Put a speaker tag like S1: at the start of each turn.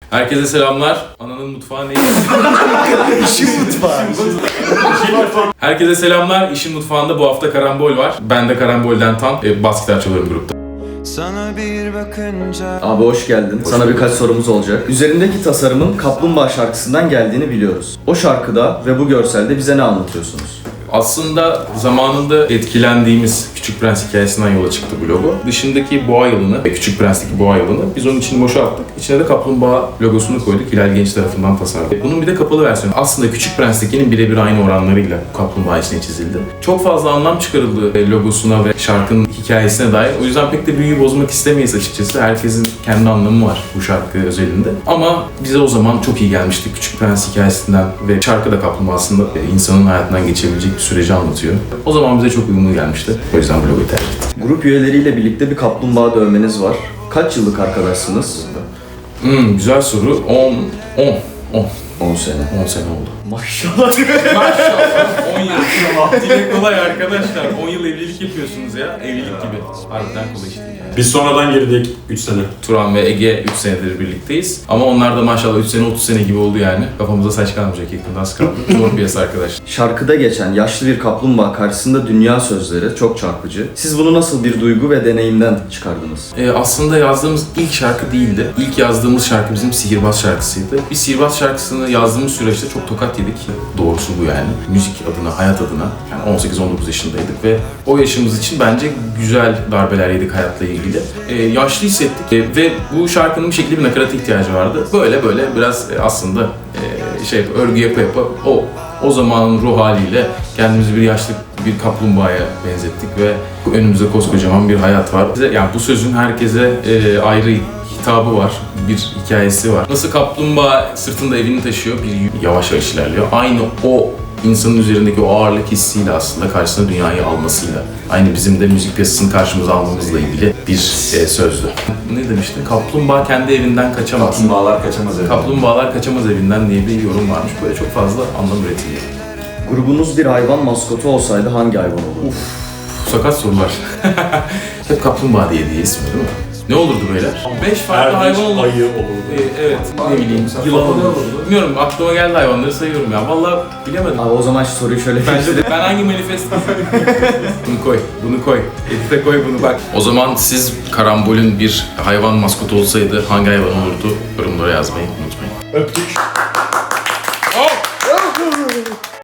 S1: Herkese selamlar. Ananın mutfağı neydi?
S2: İşin mutfağı.
S1: Herkese selamlar. İşin mutfağında bu hafta Karambol var. Ben de Karambol'den Tan. Bas gitar çalıyorum grupta.
S3: Sana bir bakınca...
S2: Abi hoş geldin. Sana birkaç sorumuz olacak. Üzerindeki tasarımın Kaplumbağa şarkısından geldiğini biliyoruz. O şarkıda ve bu görselde bize ne anlatıyorsunuz?
S1: Aslında zamanında etkilendiğimiz Küçük Prens hikayesinden yola çıktı bu logo. Dışındaki boğa yılını, Küçük Prens'teki boğa yılını biz onun içini boşalttık. İçine de kaplumbağa logosunu koyduk. Hilal Genç tarafından tasarladık. Bunun bir de kapalı versiyonu. Aslında Küçük Prens'tekinin birebir aynı oranlarıyla kaplumbağa içine çizildi. Çok fazla anlam çıkarıldı logosuna ve şarkının hikayesine dair. O yüzden pek de büyüyü bozmak istemeyiz açıkçası. Herkesin kendi anlamı var bu şarkı özelinde. Ama bize o zaman çok iyi gelmişti Küçük Prens hikayesinden ve şarkı da kaplumbağa aslında insanın hayatından geçebilecek bir süreci anlatıyor. O zaman bize çok uyumlu gelmişti. O yüzden bu logoyu tercih ettim.
S2: Grup üyeleriyle birlikte bir kaplumbağa dövmeniz var. Kaç yıllık arkadaşsınız?
S1: Güzel soru. 10
S2: sene.
S1: 10 sene oldu.
S2: Maşallah.
S1: Maşallah. 10 yıl. Dile kolay arkadaşlar. 10 yıl evlilik yapıyorsunuz ya. Evlilik gibi. Harbiden kolay işte yani.
S4: Biz sonradan girdik 3 sene.
S1: Turan ve Ege 3 senedir birlikteyiz. Ama onlar da maşallah 3 sene 30 sene gibi oldu yani. Kafamıza saç kalmayacak yakında az kaldı. Zor bir yasa arkadaş.
S2: Şarkıda geçen yaşlı bir kaplumbağa karşısında dünya sözleri çok çarpıcı. Siz bunu nasıl bir duygu ve deneyimden çıkardınız?
S1: Aslında yazdığımız ilk şarkı değildi. İlk yazdığımız şarkı bizim Sihirbaz şarkısıydı. Bir Sihirbaz şarkısını yazdığımız süreçte çok tokat yedik. Doğrusu bu yani. Müzik adına, hayat adına. Yani 18-19 yaşındaydık ve o yaşımız için bence güzel darbeler yedik hayatla ilgili. Yaşlı hissettik ve bu şarkının bir şekilde bir nakarata ihtiyacı vardı. Böyle biraz aslında örgü yapa o zamanın ruh haliyle kendimizi bir yaşlı bir kaplumbağaya benzettik ve önümüzde koskocaman bir hayat var. Yani bu sözün herkese ayrı hitabı var, bir hikayesi var. Nasıl kaplumbağa sırtında evini taşıyor, bir yavaş yavaş ilerliyor. Aynı o insanın üzerindeki o ağırlık hissiyle aslında karşısına dünyayı almasıyla. Aynı bizim de müzik piyasasını karşımıza almamızla ilgili bir sözdü. Ne demiştin? Kaplumbağa kendi evinden kaçamaz.
S4: Kaplumbağalar kaçamaz evinden.
S1: Kaplumbağalar kaçamaz evinden diye bir yorum varmış. Böyle çok fazla anlam üretiliyor.
S2: Grubunuz bir hayvan maskotu olsaydı hangi hayvan olurdu?
S1: Sakat sorular. Hep kaplumbağa diye isim değil mi? Ne olurdu beyler? 5 farklı hayvan olurdu.
S4: Ayı olurdu.
S1: Evet, ne bileyim, yılan olurdu. Bilmiyorum, aklıma geldi hayvanları sayıyorum ya. Vallahi bilemedim.
S2: Abi o zaman şu soruyu şöyle
S1: Ben hangi manifest... bunu koy. Edite koy bunu bak. O zaman siz Karambol'ün bir hayvan maskotu olsaydı hangi hayvan olurdu? Yorumlara yazmayı unutmayın.
S4: Öptük.